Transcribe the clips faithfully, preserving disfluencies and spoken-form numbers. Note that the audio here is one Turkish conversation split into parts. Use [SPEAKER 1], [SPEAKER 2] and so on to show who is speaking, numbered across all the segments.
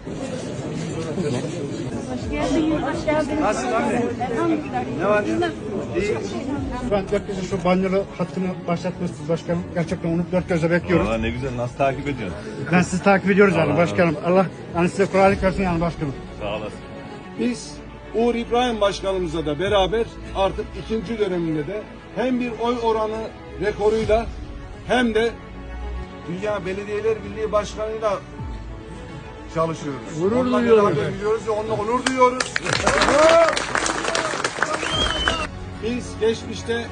[SPEAKER 1] Hoş geldiniz, hoş geldiniz.
[SPEAKER 2] Nasılsın anne?
[SPEAKER 1] Elhamdülillah.
[SPEAKER 2] Ne var ya? İyi.
[SPEAKER 3] Ben dört gözle şu banyolu hattını başlatmışsınız başkanım. Gerçekten onu dört gözle bekliyoruz.
[SPEAKER 2] Valla ne güzel, nasıl takip ediyorsun?
[SPEAKER 3] Ben sizi takip ediyoruz yani
[SPEAKER 2] Allah
[SPEAKER 3] başkanım. Allah yani size kolaylık versin yani başkanım.
[SPEAKER 2] Sağ olasın.
[SPEAKER 4] Biz Uğur İbrahim Başkanımızla da beraber artık ikinci döneminde de hem bir oy oranı rekoruyla hem de Dünya Belediyeler Birliği Başkanı'yla çalışıyoruz. Gurur duyuyoruz. Biliyoruz ve onunla onur duyuyoruz. Biz geçmişte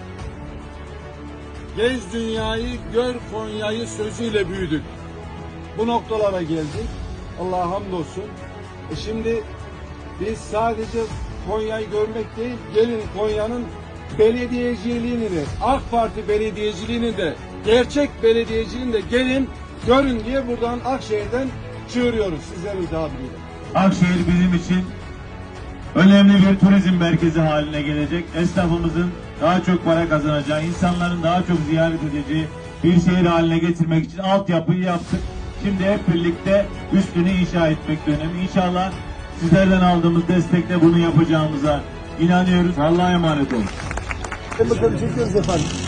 [SPEAKER 4] gez dünyayı, gör Konya'yı sözüyle büyüdük. Bu noktalara geldik. Allah'a hamdolsun. E şimdi biz sadece Konya'yı görmek değil, gelin Konya'nın belediyeciliğini de, AK Parti belediyeciliğini de, gerçek belediyeciliğini de gelin, görün diye buradan Akşehir'den çığırıyoruz sizlerin tabiriyle.
[SPEAKER 5] Akşehir bizim için önemli bir turizm merkezi haline gelecek. Esnafımızın daha çok para kazanacağı, insanların daha çok ziyaret edeceği bir şehir haline getirmek için altyapıyı yaptık. Şimdi hep birlikte üstünü inşa etmek dönemi. İnşallah sizlerden aldığımız destekle bunu yapacağımıza inanıyoruz. Allah'a emanet olun.
[SPEAKER 3] Bakalım çekiyoruz efendim.